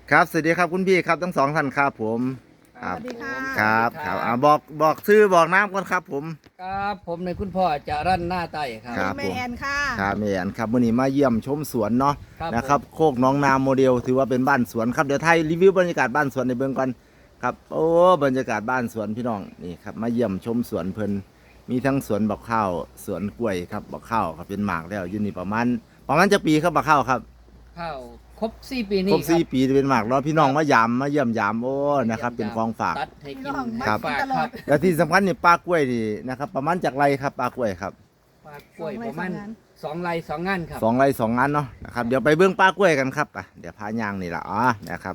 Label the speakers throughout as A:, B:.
A: ครับสวัสดีครับคุณพี่ครับทั้งสองท่านครับผมค
B: ส
A: รับ
B: วัสดีค่ะ
A: ครับบอกชื่อบอกน้ำก่อนครับผม
C: ครับผมในคุณพ่อจะรั่นหน้าไต้ครับ
A: ครับ
B: แม่แอนค่ะ
A: ครับแม่อันครับวันนี้มาเยี่ยมชมสวนเนาะ
C: ครับ
A: นะครับ
C: ผม
A: โคกหน้องนาโมเดลถือว่าเป็นบ้านสวนครับเดี๋ยวไทยรีวิวบรรยากาศบ้านสวนในเบื้องก่อนครับโอ้บรรยากาศบ้านสวนพี่น้องนี่ครับมาเยี่ยมชมสวนเพลินมีทั้งสวนบักข้าวสวนกล้วยครับบักข้าวครับเป็นหมากแล้วอยู่นี่ประมาณจะปีครับบักข้าวครับ
C: ข้าวครบ4 ปี
A: ครบ
C: นี่ครั
A: 4 ปีเป็นหมากแล้วพี่น้องมาเยี่ยมยามโอ้นะครับเป็นของฝาก
C: ตัดให้กิน
A: ครับ
C: ฝากครับ
A: และที่สำคัญนี่ปลากล้วยนี่นะครับประมาณจากไรครับปลากล้วยครับ
C: ฝากกล้วยประมาณ2 ไร่ 2 งานครับ
A: 2 ไร่ 2 งานเนาะนะครับเดี๋ยวไปเบื้องปลากล้วยกันครับอ่ะเดี๋ยวพายางนี่แหละนะครับ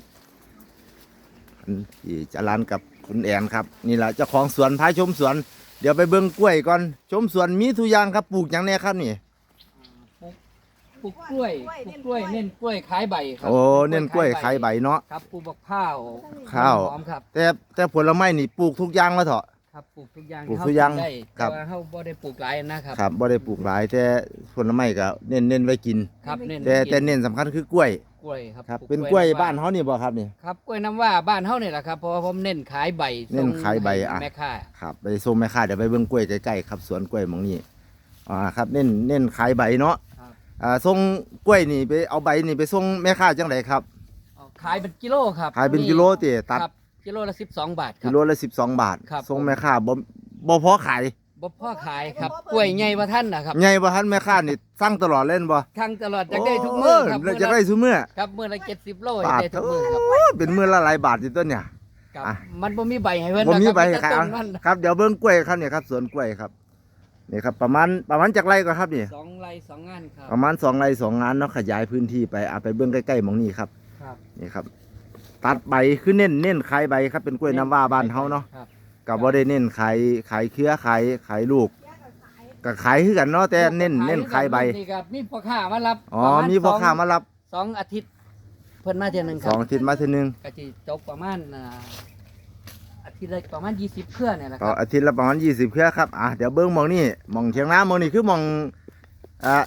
A: ที่จะร้านกับคุณแอนครับนี่แหละเจ้าของสวนพาชมสวนเดี๋ยวไปเบื้องกล้วยก่อนชมสวนมีทุกอย่างครับปลูกอย่างแนี้ครับนี่
C: ปลูกกล้วยเน้นกล้วยขายใบครั
A: โอ้เน้นกล้วยขายใบเนาะ
C: ครับปลูกบักข้าว
A: ข้าว
C: หอมครับ
A: แต่ผลไม้นี่ปลูกทุกอย่างแล้วเถอะ
C: ครับปลูกทุกอย่าง
A: ปลูกทุกอย่าง
C: ได้
A: ครับ
C: แต่ว่าเฮาบ่ได้ปลูกหลายนะครับ
A: ครับบ่ได้ปลูกหลายแต่ผลไม้ก็เน้นไว้กิน
C: ครับเน้น
A: แต่เน้นสำคัญคือกล้วย
C: กล้วยครับ
A: ครับ
C: ปลู
A: เป็นกล้วยบ้าน
C: ำว้
A: เขานี่บ่ครับนี่
C: ครับกล้วยน้ำว่าบ้านเฮานี่แหละครับเพราะว่าผมเน้นขายใบ
A: เน้นขายใบ
C: ส่ง
A: อ่ะ
C: ให้แม่ค้า
A: ครับไปส่งแม่ค้าเดี๋ยวไปเบิ่งกล้วยใกล้ๆครับสวนกล้วยหมองนี้ครับเน้นขายใบเนาะ
C: ครับ
A: ส่งกล้วยนี่ไปเอาใบนี่ไปส่งแม่ค้าจังไดครับ
C: ขายเป็นกิโลครับ
A: ขายเป็นกิโลติตัด
C: ครับกิโลละ12 บาทค
A: กิ
C: รับ
A: โลละ12 บาท
C: ครับ
A: ส่งแม่ค้าบ่พอขาย
C: บ่พ่อขายครับกล้วยใหญ่บ่ท่านนะครับ
A: ใหญ่บ่ทันแม่ค้านี่สั่งตลอดเล่นบ่
C: ทั้งตลอดจากได้ทุกมื้อครับ
A: แล้วจะได้ทุกมื้อ
C: ครับมื้อละ70 โล
A: บาท
C: ได้ทุกมื้อครับ
A: เป็นมื้อละหลายบาทอยู่ต้นเนี่ย
C: ครับ
A: อ่ะ
C: มันบ่มีใบให้เพิ่น
A: บ่มีใบ
C: นะ
A: ขาย
C: ต้
A: เอา
C: นมัน
A: ครับเดี๋ยวเบิ่งกล้วยครับเนี่ยครับสวนกล้วยครับนี่ครับประมาณจากไรก็ครับนี่
C: 2 ไร่ 2 งานครับ
A: ประมาณ2 ไร่ 2 งานเนาะขยายพื้นที่ไปไปเบื้องใกล้ๆหมองนี้ครับ
C: ครับ
A: นี่ครับตัดใบคือเน้นขายใบครับเป็นกล้วยน้ำว้าบ้านเฮาเนาะ
C: ครับ
A: กับบ่ได้เน้นขายเครือขายลูกก็ขายคือกันเนาะแต่เน้นขายใบ
C: นี่ครับมีพ่อค้ามารับ
A: อ๋อ
C: ประณ
A: มีพ่อค้ามารับ
C: 2 อาทิตย์เพิ่นมาเทื่อหนึงค
A: ส
C: รั
A: อบ งอาทิตย์มาทีนึง
C: ก็สิจบประมาณอาทิตย์ละประมาณ20เครือเนี่ยแหละค
A: ต่อ
C: รับ
A: อาทิตย์ละประมาณ20เครือครับเดี๋ยวเบิ่งหมองนี้หมองเถียงนาหมองนี้คือหมองอ่าม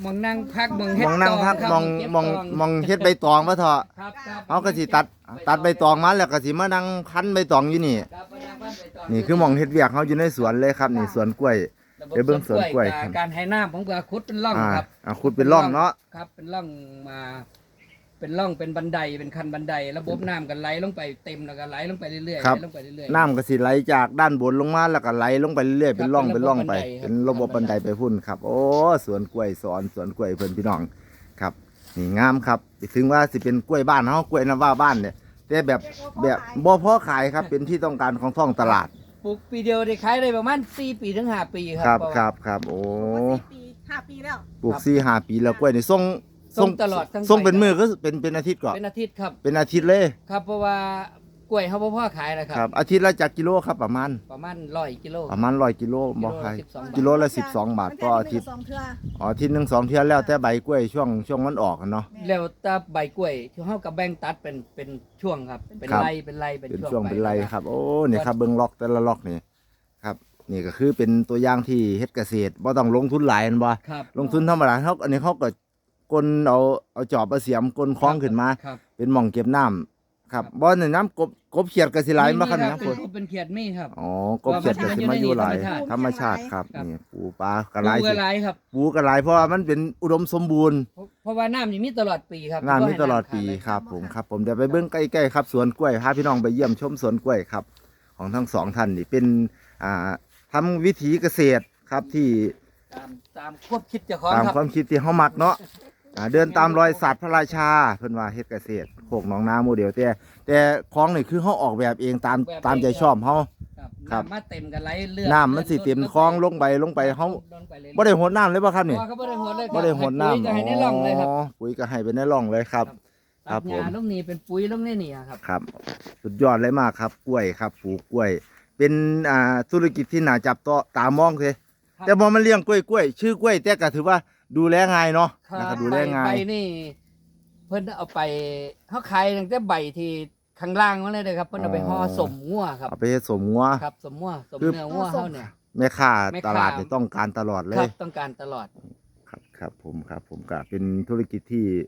C: องนั่งพักมอง
A: ห
C: เฮ็
A: ม
C: ด
A: องนั่งพัก
C: ตครับ
A: หมอง
C: เก็บ
A: หมอง
C: ต
A: หมองเฮ็ดใบตองว่าเถอะ
C: ครับครับ
A: เฮาก็สิตัดใบตองมาแล้วก็สิมานั่งคั้นใบตองอยู่นี่
C: ครับเอานั่งพักใบตง
A: นี่คือหมองเฮ็ดเวียกเฮาอยู่ในสวนเลยครับนี่สวนกล้วย
C: ระบบ
A: เดี๋ยวเบิ่งสวนกล้วย
C: กับการให้น้ำผมก็ขุดเป็นร่องครับ
A: ขุดเป็นร่องเนาะ
C: ครับเป็นร่องมาเป็นร่องเป็นบันไดเป็นคันบันไดระบบน้ำกันไหลลงไปเต็มแล้วก็ไหลลงไปเรื่อยๆ
A: ครับ
C: ไหลลงไปเรื่อยๆ
A: น้ำก็สิไหลจากด้านบนลงมาแล้วก็ไหลลงไปเรื่อยๆเป็นร่อง
C: ครับ
A: เป็นร่องไป
C: เป็
A: เป็น
C: น
A: ระ
C: ระ
A: บ
C: บบ บบ บั
A: บัน
C: น
A: ได
C: ได
A: ไปพุ่นครับ โอ้สวนกล้วยสวนกล้วยเพิ่นพี่น้องครับนี่งามครับถึงว่าสิเป็นกล้วยบ้านเฮากล้วยน้ำว้าบ้านเนี่ยแต่แบบบ่พอขายครับเป็นที่ต้องการของท้องตลาด
C: ปลูกปีเดียวได้ขายได้ประมาณ4 ปีถึง 5 ปีครั
A: ครับ
C: เพาะว่า
A: ครับโอ้
B: 4 ปี 5 ปีแล้ว
A: ปลูก4-5 ปีแล้วกล้วยนี่ส่ง
C: ตลอดทั้ง
A: ส่ง
C: ไป
A: เป็นมือก็เป็นอาทิตย์ก่อน
C: เป็นอาทิตย์ครับ
A: เป็นอาทิตย์เลย
C: ครับเพราะว่ากล้วยเขาบ่พอขายนะค
A: ค
C: รั
A: รับ บอาทิตย์ละจักกิโลครับประมาณ
C: ประมาณ100 กิโล
A: ประมาณ100 กิโลบ่ขาย
C: กิโลละ
A: กิโลละ12 บาทต่ออาทิตย์
B: 2 เทื่อ
A: อาทิตย์หนึง2 เที่ยแล้วแต่ใบกล้วยช่วงมันออกอะเนาะ
C: แล้วแต่ใบกล้วยที่เฮากับแบ่งตัดเป็นช่วงครับเป็น
A: ครับ
C: ไร่เป็นไร่เป็น
A: เป็น
C: ช่วง
A: ช่วงเป็นไร
C: ป
A: ครับ โอ้นี่ครับเบิ้งล็อกแต่ละล็อกนี่ครับนี่ก็คือเป็นตัวอย่างที่เฮ็ดเกษตรบ่ต้องลงทุนหลายแม่นบ่
C: ครับ
A: ลงทุนธรรมดาเฮาอันนี้เฮาก็กลเอาจอบเอาเสียมกลคล้องขึ้นมา
C: ครับ
A: เป็นหม่องเก็บน้ำครับบ่นี่น้ำกบเขียดก็สิหลายมาครับ
C: มี
A: นะ
C: เป็
A: พุ่
C: น
A: น
C: กบเป็นเขียดมีครับ
A: อ๋อกบเขียดก็สิมาอยู่หลายธรรมชาติครับ
C: ครับ
A: นี่ปูปลาก็
C: ป
A: หลาย
C: ลูก
A: สิ
C: หลายครับ
A: ปูก็หลายเพราะว่ามันเป็นอุดมสมบูรณ์
C: เพราะว่าน้ำนี่มีตลอดปีครับ
A: งานมีตลอดปี
C: บ่ให้น้ำขาเลย
A: ครับผมเดี๋ยวไปเบิ้งใกล้ๆครับสวนกล้วยพาพี่น้องไปเยี่ยมชมสวนกล้วยครับของทั้งสองท่านนี่เป็นทำวิถีเกษตรครับที่
C: ตามควบคิดเจ้าของ
A: ตาม
C: ครับ
A: ความคิดที่เฮามักเนาะเดินตามรอยศาสตร์พระราชาเพิ่นว่าเฮ็ดเกษตรโคกหนองนาโมเดลแต่ของนี่คือเฮาออกแบบเองตามใจชอบเฮา ครับ
C: น้ำมาเต็มกันไหลเลือด
A: น้ำมันสิเต็มคลองลงไปเฮา
C: ลงไปเลย
A: บ่ได้หดน้ำเลยบ่ครับนี่
C: บ่บ่ได้หดเลยครับ
A: บ่ได้หดน้ำ
C: ให้ปุ๋ยก็ให้ในร่องเลยครับ
A: ปุ๋ยก็ให้ไปในร่องเลยครับ ครับ
C: ตัดหญ้า
A: ผม
C: ลงนี่เป็นปุ๋ยลงในนี่ครับ
A: ครับสุดยอดเลยมากครับกล้วยครับปลูกกล้วย เป็นธุรกิจที่น่าจับตามองเลย
C: ครับ
A: แต่พอมันเลี้ยงกล้วยชื่อกล้วยแต่ก็ถือว่าดูแลง่ายเนาะนะครับดูแลง่าย
C: ใบนี่เพิ่นเอาไปเขาขายตั้งแต่ใบที่ข้างล่างมาเลยเลยครับเพิ่นเอาไปห่อสมงัวครับ
A: เอาไปเฮ็ดสมงัว
C: ครับสมงัวสม
A: คือ
C: เนื้องัวเขาเนี่ย
A: แม่ค้า
C: แม่ค้า
A: ตลาดนี่ต้องการตลอดเล
C: ครั
A: ย
C: บต้องการตลอด
A: ครับผมก็เป็นธุรกิจที่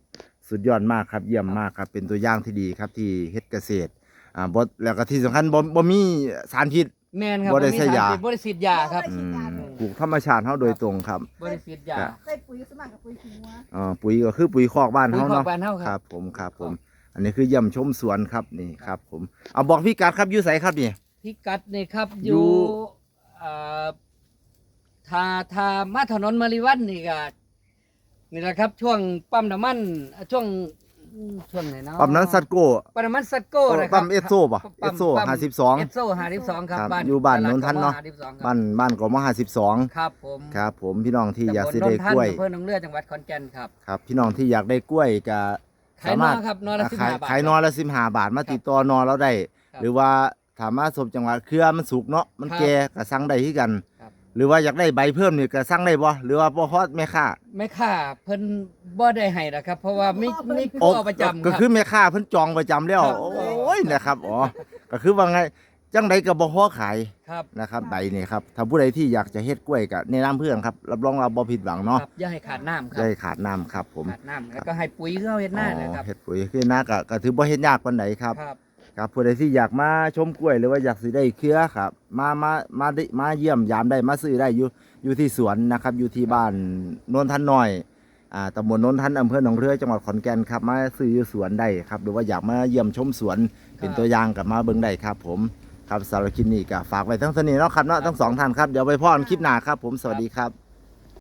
A: สุดยอดมากครับเยี่ยมมากครับเป็นตัวอย่างที่ดีครับที่เฮ็ดเกษตรบ่แล้วก็ที่สำคัญบ่มีสารพิษ
C: แม่นครับ
A: บ่ได้ใช้ยา
C: บ่ได้ฉีดยาครับ
A: อืมปลูกธรรมชาติเฮาโดยตรงครับ
C: บ่ได้ฉีดยา
B: เคยปุ๋ยสมัครกับปุ๋ยขี้งัว
A: ปุ๋ยก็คือปุ๋ยคอกบ้าน
C: ปุ๋ย
A: เฮา
C: คอก
A: เนาะ
C: บ้านเฮาครับ
A: ครับผมครับผม อันนี้คือเยี่ยมชมสวนครับนี่ครับผมเอาบอกพี่กัดครับอยู่ไสครับนี่
C: พิกัดนี่ครับ
A: อยู่
C: อยู่เอ่อถ้ามาถนนมาริวันนี่ก็นี่แหละครับ ช่วงปั๊มน้ำมันช่วงไหนเนาะ
A: ปั๊มนั้นซัดโก้
C: ปั๊มน้ำมันซัดโก้นะครับ
A: ปั๊มเอสโซป่ะ
C: ปั๊ม
A: เอสโซ
C: ปั๊ม
A: 52
C: เอสโซ52ครับ
A: ครับ
C: บ้าน
A: อยู่บ้านโนนทันเนาะ
C: ตลดกม52ครับ
A: บ้านกม52
C: ครับผม
A: ครับผมพี่น้องที่อยาก
C: ตำบล
A: สิได้
C: โนนทัน
A: กล้วย
C: อำเภอหนองเลือจังหวัดขอนแก่นครับ
A: ครับพี่น้องที่อยากได้กล้วยก็
C: ขายนอครับนอละ15 บาท
A: ขายนอละ15 บาทมาติดต่อนอเราได้
C: ครับ
A: หรือว่าถามมาสมจังหวัดเครือมันสุกเนาะมัน
C: ครับ
A: แก่ก็สั่งได้คือกัน
C: ครับ
A: หรือว่าอยากได้ใบเพิ่มนี่ก็สั่งได้บ่หรือว่าบ่ฮอดแม่ค้า
C: แม่ค้าเพิ่นบ่ได้ให้นะครับ เพราะว่ามี
A: โอ้
C: ผู้เอาประจำ
A: ก็
C: ครับ
A: คือแม่ค้าเพิ่นจองประจำแล้ว
C: ครับ
A: โอ้ยนะครับอ๋อก็คือว่าไงจังใดก็บ่พอขาย
C: ครับ
A: นะครับใบนี่ครับถ้าผู้ใดที่อยากจะเฮ็ดกล้วยก็แนะนำเพื่อนครับรับรองว่าบ่ผิดหวังเนาะ
C: ครับอย่าให้ขาดน้ำครั
A: ได้
C: บ
A: ขาดน้ำครับผม
C: ขาดน้ำแล้วก็ให้ปุ๋ยเข้าเฮ็ดหน้านะครับ
A: เฮ็ดปุ๋ยคือหน้าก็ถือบ่เฮ็ดยากปานใดครับ
C: ครับ
A: ครับผู้ใดที่อยากมาชมกล้วยหรือว่าอยากสิได้เครือครับมาเยี่ยมยามได้มาซื้อได้อยู่ที่สวนนะครับอยู่ที่บ้านโนนทันน้อยตำบลโนนทันอำเภอหนองเรือจังหวัดขอนแก่นครับมาซื้ออยู่สวนได้ครับหรือว่าอยากมาเยี่ยมชมสวนเป็นตัวอย่างกับมาเบิ่งได้ครับผมครับสำหรับคลิปนี้ก็ฝากไว้ทั้งเท่านี้เนาะครับเนาะทั้งสองท่านครับเดี๋ยวไปพ่อกันคลิปหน้าครับผมสวัสดีครับ